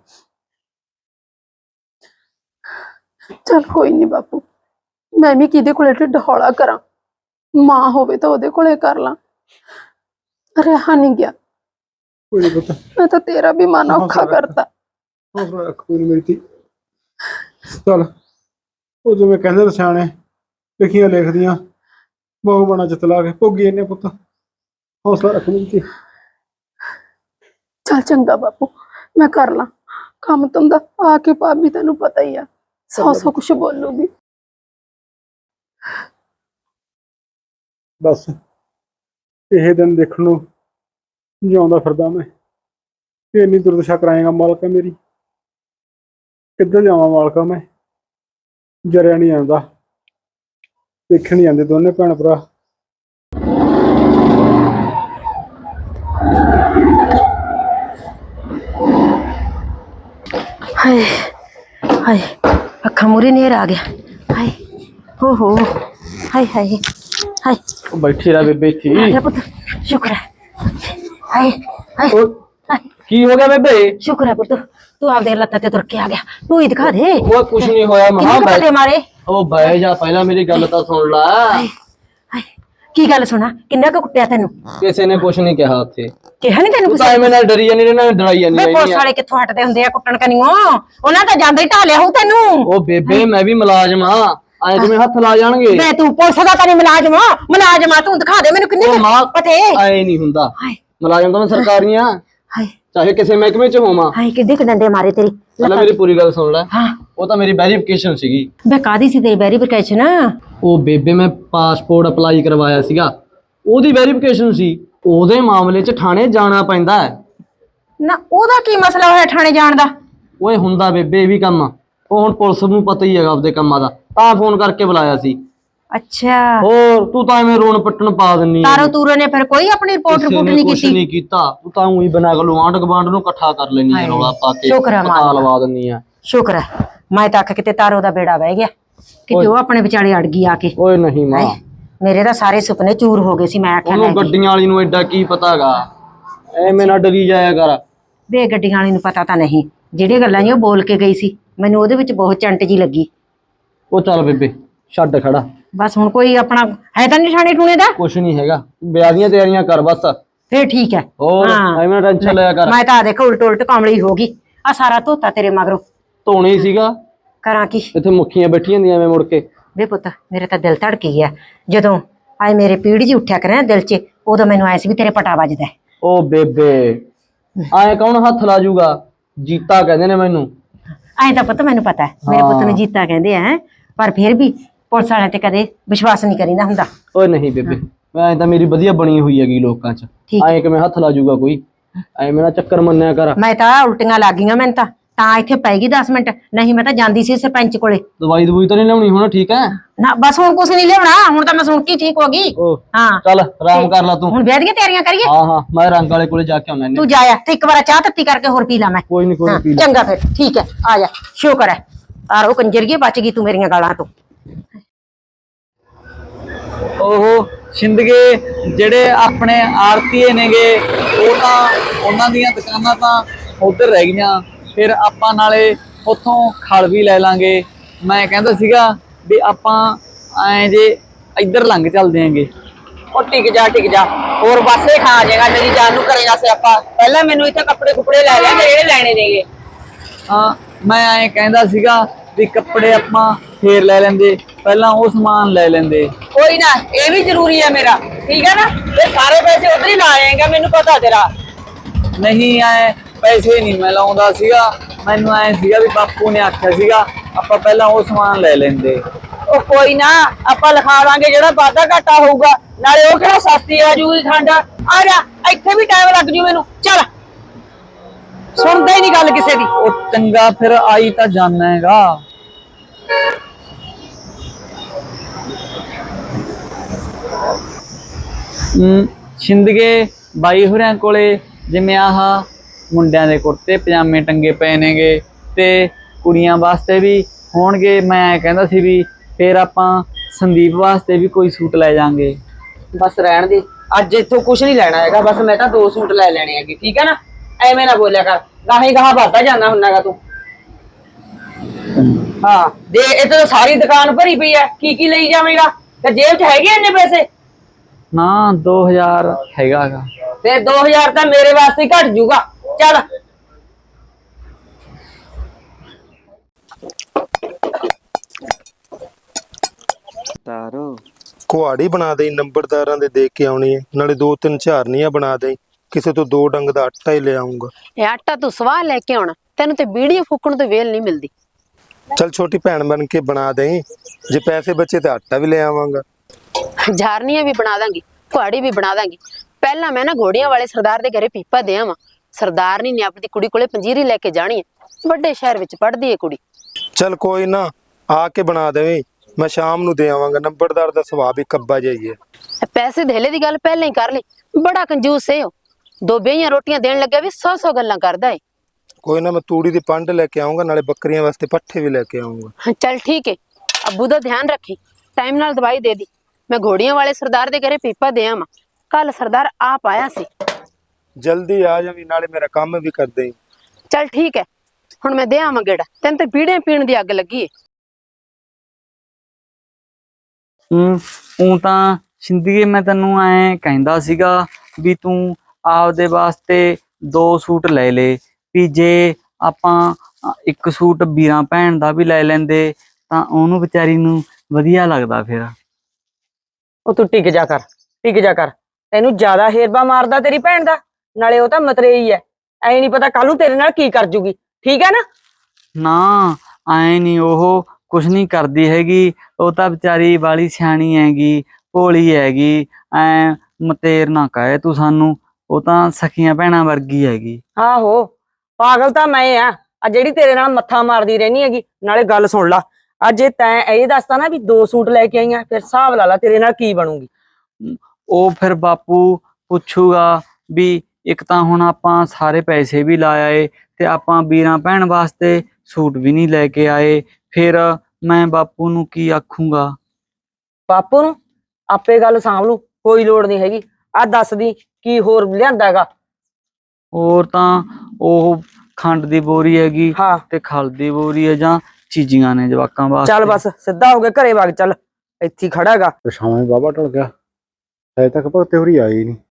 Speaker 8: ਚਲ ਕੋਈ ਨਹੀਂ ਬਾਪੂ, ਮੈਂ ਵੀ ਕਿਹਦੇ ਕੋਲੇ ਢਿੱਡ ਹੌਲਾ ਕਰਾਂ, ਮਾਂ ਹੋਵੇ ਤਾਂ ਉਹਦੇ ਕੋਲੇ ਕਰ ਲਾਂ। ਰਿਹਾ ਨਹੀਂ ਗਿਆ,
Speaker 7: ਕੋਈ ਨਹੀਂ ਪੁੱਤ,
Speaker 8: ਮੈਂ ਤਾਂ ਤੇਰਾ ਵੀ ਮਨ ਔਖਾ ਕਰਤਾ।
Speaker 7: ਹੌਸਲਾ ਰੱਖ, ਕੋਈ ਨੀ ਮੇਰੀ ਧੀ। ਚੱਲ ਉਹ ਜਿਵੇਂ ਕਹਿੰਦੇ ਨੇ ਸਿਆਣੇ, ਲਿਖੀਆਂ ਲਿਖਦੀਆਂ ਬਹੁ ਬਣਾ ਚਤਲਾ ਕੇ ਭੋਗੀ ਇਹਨੇ ਪੁੱਤ। ਹੌਸਲਾ ਰੱਖ ਮੇਰੀ ਧੀ।
Speaker 8: ਚੱਲ ਚੰਗਾ ਬਾਪੂ, ਮੈਂ ਕਰ ਲਾਂ ਕੰਮ ਧੰਦਾ। ਆ ਕੇ ਭਾਬੀ ਤੈਨੂੰ ਪਤਾ ਹੀ ਆ ਸੌ ਕੁਛ ਬੋਲੂਗੀ।
Speaker 7: ਬਸ ਇਹ ਦਿਨ ਦੇਖਣ ਨੂੰ ਜਿਉਂਦਾ ਫਿਰਦਾ ਮੈਂ, ਕਿ ਇੰਨੀ ਦੁਰਦਸ਼ਾ ਕਰਾਏਗਾ ਮਾਲਕਾ ਮੇਰੀ। ਕਿੱਧਰ ਜਾਵਾਂ ਮਾਲਕਾ ਮੈਂ, ਜਰਿਆ ਨਹੀਂ ਆਉਂਦਾ। ਦੇਖਣ ਨਹੀਂ ਆਉਂਦੇ ਦੋਨੇ ਭੈਣ ਭਰਾ।
Speaker 2: ਹਾਏ ਹਾਏ, ਅੱਖਾਂ ਮੂਰੇ ਨੇਰ ਆ ਗਿਆ। ਹਾਏ ਹੋ ਹਾਏ ਹਾਏ ਹਾਏ।
Speaker 1: ਬੈਠੀ ਰਹਿ ਬੇਬੇ ਇੱਥੇ
Speaker 2: ਆ
Speaker 1: ਹੀ।
Speaker 2: ਗਿਆ ਪੁੱਤ, ਸ਼ੁਕਰ ਹੈ। ਹਾਏ ਹਾਏ ਹਾਏ,
Speaker 1: ਕੀ ਹੋ ਗਿਆ ਬੇਬੇ?
Speaker 2: ਸ਼ੁਕਰ ਹੈ ਪੁੱਤ, ਤੂੰ ਆਪਦੇ ਲੱਤਾਂ ਤੇ ਤੁਰ ਕੇ ਆ ਗਿਆ। ਤੂੰ ਹੀ ਦਿਖਾ ਦੇ।
Speaker 1: ਉਹ ਕੁਛ ਨਹੀਂ ਹੋਇਆ ਮਹਾ।
Speaker 2: ਕਿੰਨੇ ਪੱਟੇ ਮਾਰੇ?
Speaker 1: ਉਹ ਬਹਿ ਜਾ, ਪਹਿਲਾਂ ਮੇਰੀ ਗੱਲ ਤਾਂ ਸੁਣ ਲੈ।
Speaker 2: ਹਾਏ ਹਾਏ, ਕੀ ਗੱਲ ਸੁਣਾ, ਕਿੰਨਾ ਕੁ ਕੁੱਟਿਆ ਤੈਨੂੰ?
Speaker 1: ਕਿਸੇ ਨੇ ਕੁਛ ਨਹੀਂ ਕਿਹਾ ਉੱਥੇ।
Speaker 2: ਕਿਹਾ ਨਹੀਂ ਤੈਨੂੰ
Speaker 1: ਤੂੰ
Speaker 2: ਕੁਛ?
Speaker 1: ਤਾਂ ਐਵੇਂ ਨਾਲ ਡਰੀ ਜਾਂਦੀ ਨੇ, ਨਾਲ ਡਰਾਈ ਜਾਂਦੀ
Speaker 2: ਵੇ ਪੁਲਿਸ
Speaker 1: ਰਹਿੰਦੀ ਆ।
Speaker 2: ਵਾਲੇ ਕਿੱਥੋਂ ਹਟਦੇ ਹੁੰਦੇ ਆ ਕੁੱਟਣ ਕਨੀਓ? ਉਹਨਾਂ ਤਾਂ ਜਾਂਦੇ ਹੀ ਢਾਲਿਆ ਹੋਊ ਤੈਨੂੰ।
Speaker 1: ਉਹ ਬੇਬੇ ਮੈਂ ਵੀ ਮੁਲਾਜ਼ਮ ਆ, ਐ ਜਿਵੇਂ ਹੱਥ ਲਾ ਜਾਣਗੇ।
Speaker 2: ਵੇ ਤੂੰ ਪੁਲਿਸ ਦਾ ਤਾਂ ਨਹੀਂ ਮੁਲਾਜ਼ਮ ਆ, ਤੂੰ ਦਿਖਾ ਦੇ ਮੈਨੂੰ ਕਿੰਨੇ
Speaker 1: ਉਹ ਮਾਂ
Speaker 2: ਪਤੇ।
Speaker 1: ਐ ਨਹੀਂ ਹੁੰਦਾ,
Speaker 2: ਹਾਏ
Speaker 1: ਮੁਲਾਜ਼ਮ ਤਾਂ ਮੈਂ ਸਰਕਾਰੀਆਂ,
Speaker 2: ਹਾਏ
Speaker 1: ਚਾਹੇ ਕਿਸੇ ਮਹਿਕਮੇ ਚ ਹੋਵਾਂ।
Speaker 2: ਹਾਏ, ਕਿੱਡੇ ਕੁ ਡੰਡੇ ਮਾਰੇ ਤੇਰੀ।
Speaker 1: ਪਹਿਲਾਂ ਮੇਰੀ ਪੂਰੀ ਗੱਲ ਸੁਣ ਲੈ।
Speaker 2: ਹਾਂ
Speaker 1: ਉਹ ਤਾਂ ਮੇਰੀ ਵੈਰੀਫਿਕੇਸ਼ਨ ਸੀਗੀ।
Speaker 2: ਵੇ ਕਾਦੀ ਸੀ ਤੇਰੀ ਵੈਰੀਫਿਕੇਸ਼ਨ?
Speaker 1: ਉਹ ਬੇਬੇ ਮੈਂ ਪਾਸਪੋਰਟ ਅਪਲਾਈ ਕਰਵਾਇਆ ਸੀਗਾ, ਉਹਦੀ ਵੈਰੀਫਿਕੇਸ਼ਨ ਸੀ। ਉਹਦੇ ਮਾਮਲੇ 'ਚ ਥਾਣੇ ਜਾਣਾ ਪੈਂਦਾ ਹੈ।
Speaker 2: ਨਾ ਉਹਦਾ ਕੀ ਮਸਲਾ ਹੋਇਆ ਥਾਣੇ ਜਾਣ ਦਾ?
Speaker 1: ਓਏ ਹੁੰਦਾ ਬੇਬੇ ਇਹ ਵੀ ਕੰਮ। ਉਹ ਹੁਣ ਪੁਲਿਸ ਨੂੰ ਪਤਾ ਹੀ ਹੈਗਾ ਆਪਦੇ ਕੰਮਾਂ ਦਾ, ਤਾਂ ਫੋਨ ਕਰਕੇ ਬੁਲਾਇਆ ਸੀ।
Speaker 2: ਅੱਛਾ,
Speaker 1: ਹੋਰ ਤੂੰ ਤਾਂ ਐਵੇਂ ਰੋਣ ਪਿੱਟਣ ਪਾ ਦਿੰਨੀ
Speaker 2: ਤਾਰੋ ਤੂਰੋ ਨੇ ਫਿਰ ਕੋਈ ਆਪਣੀ ਰਿਪੋਰਟ ਨਹੀਂ
Speaker 1: ਕੁਛ
Speaker 2: ਕੀਤੀ?
Speaker 1: ਨਹੀਂ ਕੀਤਾ, ਤੂੰ ਤਾਂ ਉਹੀ ਬਣਾ ਕੇ ਆਂਢ ਗੁਆਂਢ ਨੂੰ ਇਕੱਠਾ ਕਰ ਲੈਣੀ ਹੈ, ਰੌਲਾ ਪਾ ਕੇ
Speaker 2: ਸ਼ੁਕਰ ਹੈ
Speaker 1: ਪਤਾ
Speaker 2: ਮਾਲਕਾ।
Speaker 1: ਲਵਾ ਦਿੰਨੀ ਆ।
Speaker 2: ਸ਼ੁਕਰ ਹੈ, ਮੈਂ ਤਾਂ ਆਖ ਕਿਤੇ ਤਾਰੋ ਦਾ ਬੇੜਾ ਬਹਿ ਗਿਆ, ਕਿਤੇ ਉਹ ਆਪਣੇ ਵਿਚਾਲੇ ਅੜ ਗਈ ਆ ਕੇ।
Speaker 1: ਓਏ ਨਹੀਂ ਮਾਂ,
Speaker 2: ਮੇਰੇ ਤਾਂ ਸਾਰੇ ਸੁਪਨੇ ਚੂਰ ਹੋ ਗਏ ਸੀ। ਮੈਂ ਆਖਿਆ
Speaker 1: ਉਹਨੂੰ ਗੱਡੀਆਂ ਵਾਲੀ ਨੂੰ ਐਡਾ ਕੀ ਪਤਾਗਾ, ਐਵੇਂ ਨਾ ਡਰੀ ਜਾਇਆ ਕਰ।
Speaker 2: ਵੇ ਗੱਡੀਆਂ ਵਾਲੀ ਨੂੰ ਪਤਾ ਤਾਂ ਨਹੀਂ, ਜਿਹੜੀਆਂ ਗੱਲਾਂ ਜੀ ਉਹ ਬੋਲ ਕੇ ਗਈ ਸੀ, ਮੈਨੂੰ ਉਹਦੇ ਵਿੱਚ ਬਹੁਤ ਚੰਟ ਜੀ ਲੱਗੀ।
Speaker 1: ਉਹ ਚੱਲ ਬੇਬੇ ਛੱਡ ਖੜਾ,
Speaker 2: ਬਸ ਹੁਣ ਕੋਈ ਆਪਣਾ ਹੈ ਤਾਂ ਨਹੀਂ ਥਾਣੇ ਟੂਣੇ ਦਾ?
Speaker 1: ਕੁਛ ਨਹੀਂ ਹੈਗਾ, ਵਿਆਹ ਦੀਆਂ ਤਿਆਰੀਆਂ ਕਰ ਬਸ।
Speaker 2: ਫੇਰ ਠੀਕ ਹੈ।
Speaker 1: ਹੋਰ ਐਵੇਂ ਟੈਨਸ਼ਨ ਲਿਆ ਕਰ।
Speaker 2: ਮੈਂ ਤਾਂ ਦੇਖੋ ਉਲਟ ਉਲਟ ਕਾਮਲੀ ਹੋ ਗਈ, ਆ ਸਾਰਾ ਧੋਤਾ ਤੇਰੇ ਮਗਰੋਂ।
Speaker 1: ਧੋਣੀ ਸੀਗਾ,
Speaker 2: ਕਰਾਂ ਕੀ?
Speaker 1: ਇੱਥੇ ਮੁੱਖੀਆਂ ਬੈਠੀਆਂ ਹੁੰਦੀਆਂ ਐਵੇਂ ਮੁੜ ਕੇ।
Speaker 2: ਵੇ ਪੁੱਤ ਮੇਰੇ ਤਾਂ ਦਿਲ ਧੜਕ ਗਿਆ ਜਦੋਂ ਆਏ ਮੇਰੇ ਪੀੜ ਜੀ ਉੱਠਿਆ ਕਰੇ ਨਾ ਦਿਲ 'ਚ, ਉਦੋਂ ਮੈਨੂੰ ਆਇਆ ਸੀ ਵੀ ਤੇਰੇ ਪਟਾ ਵੱਜਦਾ।
Speaker 1: ਉਹ ਬੇਬੇ ਐਂ ਕੌਣ ਹੱਥ ਲਾ ਜੂਗਾ, ਜੀਤਾ ਕਹਿੰਦੇ ਨੇ ਮੈਨੂੰ।
Speaker 2: ਐਂ ਤਾਂ ਪੁੱਤ ਮੈਨੂੰ ਪਤਾ ਹੈ, ਮੇਰੇ ਪੁੱਤ ਨੂੰ ਜੀਤਾ ਕਹਿੰਦੇ ਆ, ਪਰ ਫਿਰ ਵੀ ਪੁਲਿਸ ਵਾਲਿਆਂ ਤੇ ਕਦੇ ਵਿਸ਼ਵਾਸ ਨਹੀਂ ਕਰੀਦਾ ਹੁੰਦਾ।
Speaker 1: ਓਏ ਨਹੀਂ ਬੇਬੇ, ਐਂ ਤਾਂ ਮੇਰੀ ਵਧੀਆ ਬਣੀ ਹੋਈ ਹੈਗੀ ਲੋਕਾਂ 'ਚ, ਐਂ ਕਿਵੇਂ ਹੱਥ ਲਾ ਜੂਗਾ ਕੋਈ, ਐਵੇਂ ਨਾ ਚੱਕਰ ਮੰਨਿਆ ਕਰ।
Speaker 2: ਮੈਂ ਤਾਂ ਉਲਟੀਆਂ ਲੱਗ ਗਈਆਂ ਮੈਨੂੰ ਤਾਂ ਇੱਥੇ ਪੈ ਗਈ 10 ਮਿੰਟ, ਨਹੀਂ ਮੈਂ ਤਾਂ ਜਾਂਦੀ ਸੀ ਸਰਪੰਚ ਕੋਲੇ।
Speaker 1: ਦਵਾਈ ਦਵਾਈ ਤਾਂ ਨਹੀਂ ਲਿਆਉਣੀ ਹੁਣ, ਠੀਕ ਹੈ?
Speaker 2: ਨਾ ਬਸ ਹੁਣ ਕੁਛ ਨਹੀਂ ਲਿਆਉਣਾ, ਹੁਣ ਤਾਂ ਮੈਂ ਸੁਣ ਕੇ ਠੀਕ ਹੋ ਗਈ। ਹਾਂ
Speaker 1: ਚੱਲ ਆਰਾਮ ਕਰ ਲੈ ਤੂੰ।
Speaker 2: ਹੁਣ ਵਿਆਹ ਦੀਆਂ ਤਿਆਰੀਆਂ ਕਰੀਏ?
Speaker 1: ਹਾਂ ਹਾਂ, ਮੈਂ ਰੰਗ ਵਾਲੇ ਕੋਲੇ ਜਾ ਕੇ ਆਉਣਾ।
Speaker 2: ਤੂੰ ਜਾਇਆ ਤੇ ਇੱਕ ਵਾਰ ਚਾਹ ਤੱਤੀ ਕਰਕੇ ਹੋਰ ਪੀ ਲਾ ਮੈਂ।
Speaker 1: ਕੋਈ ਨਹੀਂ ਕੋਈ ਨੀ, ਪੀ ਲੈ।
Speaker 2: ਚੰਗਾ ਫਿਰ ਠੀਕ ਹੈ, ਆ ਜਾ। ਸ਼ੁਕਰ ਹੈ ਆਰੋ ਕੰਜਰੀਏ ਬਚ ਗਈ ਤੂੰ ਮੇਰੀਆਂ ਗਾਲਾਂ ਤੋਂ।
Speaker 5: ਉਹ ਸਿੰਦਗੇ ਜਿਹੜੇ ਆਪਣੇ ਆਰਤੀਏ ਨੇਗੇ, ਉਹ ਤਾਂ ਉਹਨਾਂ ਦੀਆਂ ਦੁਕਾਨਾਂ ਤਾਂ ਉਧਰ ਰਹਿ ਗਈਆਂ, ਫਿਰ ਆਪਾਂ ਨਾਲੇ ਉੱਥੋਂ ਖਲ ਵੀ ਲੈ ਲਾਂਗੇ। ਮੈਂ ਕਹਿੰਦਾ ਸੀਗਾ ਵੀ ਆਪਾਂ ਐਂ ਜੇ ਇੱਧਰ ਲੰਘ ਚੱਲਦੇ ਆਂਗੇ।
Speaker 6: ਉਹ ਟਿਕ ਜਾ, ਹੋਰ ਪਾਸੇ ਖਾ ਜਾਏਗਾ, ਮੇਰੀ ਜਾਨ ਨੂੰ ਕਰੇਗਾ ਸਿਆਪਾ। ਪਹਿਲਾਂ ਮੈਨੂੰ ਇੱਥੇ ਕੱਪੜੇ ਕੁਪੜੇ ਲੈ ਲੈ ਜਿਹੜੇ ਲੈਣੇ ਨੇਗੇ।
Speaker 5: ਹਾਂ, ਮੈਂ ਐਂ ਕਹਿੰਦਾ ਸੀਗਾ ਵੀ ਕੱਪੜੇ ਆਪਾਂ ਫੇਰ ਲੈ ਲੈਂਦੇ, ਪਹਿਲਾਂ ਉਹ ਸਮਾਨ ਲੈ ਲੈਂਦੇ।
Speaker 6: ਕੋਈ ਨਾ, ਇਹ ਵੀ ਜ਼ਰੂਰੀ ਹੈ ਮੇਰਾ, ਠੀਕ ਹੈ ਨਾ? ਤੇ ਸਾਰੇ ਪੈਸੇ ਉਧਰ ਹੀ ਲਾ ਆਏਗਾ, ਮੈਨੂੰ ਪਤਾ ਤੇਰਾ।
Speaker 5: ਨਹੀਂ, ਐ ਪੈਸੇ ਨਹੀਂ ਮੈਂ ਲਾਉਂਦਾ ਸੀਗਾ, ਮੈਨੂੰ ਐ ਸੀਗਾ ਵੀ ਬਾਪੂ ਨੇ ਆਖਿਆ ਸੀਗਾ ਆਪਾਂ ਪਹਿਲਾਂ ਉਹ ਸਮਾਨ ਲੈ ਲੈਂਦੇ।
Speaker 6: ਉਹ ਕੋਈ ਨਾ, ਆਪਾਂ ਲਿਖਾ ਦਾਂਗੇ ਜਿਹੜਾ ਵਾਧਾ ਘਾਟਾ ਹੋਊਗਾ, ਨਾਲੇ ਉਹ ਕਿਹੜਾ ਸਸਤੀ ਆ ਜੂਗੀ ਖੰਡ। ਆ ਜਾ, ਇੱਥੇ ਵੀ ਟਾਈਮ ਲੱਗ ਜੂ ਮੈਨੂੰ। ਚੱਲ, ਸੁਣਦਾ ਹੀ ਨਹੀਂ ਗੱਲ ਕਿਸੇ ਦੀ।
Speaker 5: ਉਹ ਚੰਗਾ, ਫਿਰ ਆਈ ਤਾਂ ਜਾਣਾ ਹੈਗਾ। ਸਿੰਦਗੇ ਬਾਈ ਹੋਰਿਆਂ ਕੋਲੇ ਜਿਵੇਂ ਆਹ ਮੁੰਡਿਆਂ ਦੇ ਕੁੜਤੇ ਪਜਾਮੇ ਟੰਗੇ ਪਏ ਨੇਗੇ, ਤੇ ਕੁੜੀਆਂ ਵਾਸਤੇ ਵੀ ਹੋਣਗੇ। ਮੈਂ ਕਹਿੰਦਾ ਸੀ ਵੀ ਫਿਰ ਆਪਾਂ ਸੰਦੀਪ ਵਾਸਤੇ ਵੀ ਕੋਈ ਸੂਟ ਲੈ ਜਾਾਂਗੇ।
Speaker 6: ਬਸ ਰਹਿਣ ਦੇ, ਅੱਜ ਇੱਥੋਂ ਕੁਝ ਨਹੀਂ ਲੈਣਾ ਹੈਗਾ, ਬਸ ਮੈਂ ਤਾਂ 2 ਸੂਟ ਲੈ ਲੈਣੇ ਹੈਗੇ, ਠੀਕ ਹੈ ਨਾ? ਐਵੇਂ ਨਾ ਬੋਲਿਆ ਕਰ, ਗਾਹੀ ਗਾਹ ਵੱਧਦਾ ਜਾਂਦਾ ਹੁੰਨਾਗਾ ਤੂੰ। ਹਾਂ ਦੇ, ਇੱਥੇ ਤਾਂ ਸਾਰੀ ਦੁਕਾਨ ਭਰੀ ਪਈ ਹੈ, ਕੀ ਲਈ ਜਾਵੇਂਗਾ? ਤੇ ਜੇਬ 'ਚ ਹੈਗੇ ਇੰਨੇ ਪੈਸੇ?
Speaker 5: ਨਾ 2000 ਹੈਗਾ ਗਾ।
Speaker 6: ਤੇ 2000 ਤਾਂ ਮੇਰੇ ਵਾਸਤੇ ਘਟ ਜੂਗਾ। ਚੱਲ,
Speaker 3: ਤਾਰੋ
Speaker 7: ਕੁਹਾੜੀ ਬਣਾ ਦੇ, ਨੰਬਰਦਾਰਾਂ ਦੇ ਕੇ ਆਉਣੀ ਹੈ, ਨਾਲੇ 2-3 ਝਾਰਨੀਆਂ ਬਣਾ ਦੇ, ਕਿਸੇ ਤੋਂ 2 ਡੰਗ ਦਾ ਆਟਾ ਹੀ ਲੈ ਆਉਂਗਾ।
Speaker 4: ਇਹ ਆਟਾ ਤੂੰ ਸਵਾਹ ਲੈ ਕੇ ਆਉਣਾ, ਤੈਨੂੰ ਤੇ ਬੀੜੀਆਂ ਫੂਕਣ ਤੋਂ ਵੇਲ ਨਹੀਂ ਮਿਲਦੀ।
Speaker 7: ਚੱਲ ਛੋਟੀ ਭੈਣ ਬਣ ਕੇ ਬਣਾ ਦੇ, ਜੇ ਪੈਸੇ ਬਚੇ ਤਾਂ ਆਟਾ ਵੀ ਲੈ ਆਵਾਂਗਾ।
Speaker 4: ਝਾਰਨੀਆਂ ਵੀ ਬਣਾ ਦਾਂਗੀ, ਕੁਹਾੜੀ ਵੀ ਬਣਾ ਦਾਂਗੀ। ਪਹਿਲਾਂ ਮੈਂ ਨਾ ਘੋੜੀਆਂ ਵਾਲੇ ਸਰਦਾਰ ਦੇ ਘਰੇ ਪੀਪਾ ਦੇ ਆਵਾਂ। ਸਰਦਾਰਨੀ ਨੇ ਆਪਣੀ ਕੁੜੀ ਕੋਲੇ ਪੰਜੀਰੀ ਲੈ ਕੇ ਜਾਣੀ ਹੈ, ਵੱਡੇ ਸ਼ਹਿਰ ਵਿੱਚ ਪੜ੍ਹਦੀ ਹੈ ਕੁੜੀ।
Speaker 7: ਚੱਲ ਕੋਈ ਨਾ, ਆ ਕੇ ਬਣਾ ਦੇਵੇਂ, ਮੈਂ ਸ਼ਾਮ ਨੂੰ ਦੇ ਆਵਾਂਗਾ। ਨੰਬਰਦਾਰ ਦਾ ਸੁਭਾਅ ਵੀ ਕੱਬਾ ਜਾਈਏ।
Speaker 4: ਪੈਸੇ ਧੇਲੇ ਦੀ ਗੱਲ ਪਹਿਲਾਂ ਹੀ ਕਰ ਲਈ, ਬੜਾ ਕੰਜੂਸ ਏ ਉਹ। 2 ਬੇਹੀਆਂ ਰੋਟੀਆਂ ਦੇਣ ਲੱਗਿਆ ਵੀ 100 ਗੱਲਾਂ ਕਰਦਾ ਏ।
Speaker 7: ਕੋਈ ਨਾ, ਮੈਂ ਤੂੜੀ ਦੀ ਪੰਡ ਲੈ ਕੇ ਆਉਂਗਾ, ਨਾਲੇ ਬੱਕਰੀਆਂ ਵਾਸਤੇ ਪੱਠੇ ਵੀ ਲੈ ਕੇ ਆਉਂਗਾ।
Speaker 4: ਚੱਲ ਠੀਕ ਹੈ, ਅੱਬੂ ਦਾ ਧਿਆਨ ਰੱਖੀ, ਟਾਈਮ ਨਾਲ ਦਵਾਈ ਦੇ ਦੀ। ਮੈਂ ਘੋੜੀਆਂ ਵਾਲੇ ਸਰਦਾਰ ਦੇ ਘਰੇ ਪੀਪਾ ਦੇ ਆਵਾਂ, ਕੱਲ ਸਰਦਾਰ ਆਪ ਆਇਆ ਸੀ।
Speaker 7: ਜਲਦੀ ਆ ਜਾਵੀਂ, ਨਾਲੇ ਮੇਰਾ ਕੰਮ ਵੀ ਕਰ ਦੇਈਂ।
Speaker 4: ਚੱਲ ਠੀਕ ਹੈ, ਹੁਣ ਮੈਂ ਦੇ ਆਵਾਂ ਗੇੜਾ, ਤੈਨੂੰ ਤੇ ਬੀੜੇ ਪੀਣ ਦੀ ਅੱਗ ਲੱਗੀ ਏ।
Speaker 5: ਉਹ ਤਾਂ ਸਿੰਦਗੀ ਮੈਂ ਤੈਨੂੰ ਐਂ ਕਹਿੰਦਾ ਸੀਗਾ ਵੀ ਤੂੰ ਆਪਦੇ ਵਾਸਤੇ 2 ਸੂਟ ਲੈ ਲੇ, ਵੀ ਜੇ ਆਪਾਂ ਇੱਕ ਸੂਟ ਵੀਰਾਂ ਭੈਣ ਦਾ ਵੀ ਲੈ ਲੈਂਦੇ ਤਾਂ ਉਹਨੂੰ ਵਿਚਾਰੀ ਨੂੰ ਵਧੀਆ ਲੱਗਦਾ। ਫਿਰ
Speaker 6: ਉਹ ਤੂੰ ਟਿਕ ਜਾ ਕਰ, ਤੈਨੂੰ ਜ਼ਿਆਦਾ ਹੇਰਬਾ ਮਾਰਦਾ ਤੇਰੀ ਭੈਣ ਦਾ, ਨਾਲੇ ਉਹ ਤਾਂ ਮਤਰੇਈ ਹੈ, ਐ ਨਹੀਂ ਪਤਾ ਕੱਲ ਨੂੰ ਤੇਰੇ ਨਾਲ ਕੀ ਕਰ ਜੂਗੀ, ਠੀਕ ਹੈ ਨਾ?
Speaker 5: ਨਾ ਐ ਨਹੀਂ, ਉਹ ਕੁਛ ਨਹੀਂ ਕਰਦੀ ਹੈਗੀ, ਉਹ ਤਾਂ ਵਿਚਾਰੀ ਵਾਲੀ ਸਿਆਣੀ ਹੈਗੀ, ਭੋਲੀ ਹੈਗੀ। ਐ ਮਤੇਰ ਨਾ ਕਹੇ ਤੂੰ ਸਾਨੂੰ, ਉਹ ਤਾਂ ਸਖੀਆਂ ਭੈਣਾਂ ਵਰਗੀ ਹੈਗੀ।
Speaker 6: ਆਹੋ ਪਾਗਲ ਤਾਂ ਮੈਂ ਆ ਜਿਹੜੀ ਤੇਰੇ ਨਾਲ ਮੱਥਾ ਮਾਰਦੀ ਰਹਿਣੀ ਹੈਗੀ। ਨਾਲੇ ਗੱਲ ਸੁਣ ਲਾ, ਅੱਜ ਜੇ ਤੈਂ ਇਹ ਦੱਸਤਾ ਨਾ ਵੀ 2 ਸੂਟ ਲੈ ਕੇ ਆਈਆਂ, ਫਿਰ ਹਿਸਾਬ ਲਾ ਲਾ ਤੇਰੇ ਨਾਲ ਕੀ ਬਣੂਗੀ।
Speaker 5: ਉਹ ਫਿਰ ਬਾਪੂ ਪੁੱਛੂਗਾ ਵੀ ਇੱਕ ਤਾਂ ਹੁਣ ਆਪਾਂ ਸਾਰੇ ਪੈਸੇ ਵੀ ਲਾ ਆਏ ਤੇ ਆਪਾਂ ਵੀਰਾਂ ਭੈਣ ਵਾਸਤੇ ਸੂਟ ਵੀ ਨਹੀਂ ਲੈ ਕੇ ਆਏ, ਫਿਰ ਮੈਂ ਬਾਪੂ ਨੂੰ ਕੀ ਆਖੂੰਗਾ।
Speaker 6: ਬਾਪੂ ਨੂੰ ਆਪੇ ਗੱਲ ਸਾਂਭ ਲੂ, ਕੋਈ ਲੋੜ ਨਹੀਂ ਹੈਗੀ। ਆ ਦੱਸਦੀ ਕੀ ਹੋਰ ਲਿਆਂਦਾ ਹੈਗਾ।
Speaker 5: ਹੋਰ ਤਾਂ ਉਹ ਖੰਡ ਦੀ ਬੋਰੀ ਹੈਗੀ
Speaker 6: ਹਾਂ
Speaker 5: ਤੇ ਖਲ ਦੀ ਬੋਰੀ ਹੈ, ਜਾਂ ਚੀਜ਼ੀਆਂ ਨੇ ਜਵਾਕਾਂ ਵਾਸਤੇ।
Speaker 6: ਚੱਲ ਬਸ ਸਿੱਧਾ ਹੋ ਕੇ ਘਰੇ ਵਗ ਚੱਲ, ਇੱਥੇ ਹੀ ਖੜਾ ਹੈਗਾ।
Speaker 7: ਤੇ ਸ਼ਾਮਾਂ ਬਾਬਾ ਟਲ ਗਿਆ, ਹਜੇ ਤੱਕ ਭਗਤੇ ਹੋਰੀ ਆਏ ਹੀ ਨਹੀਂ।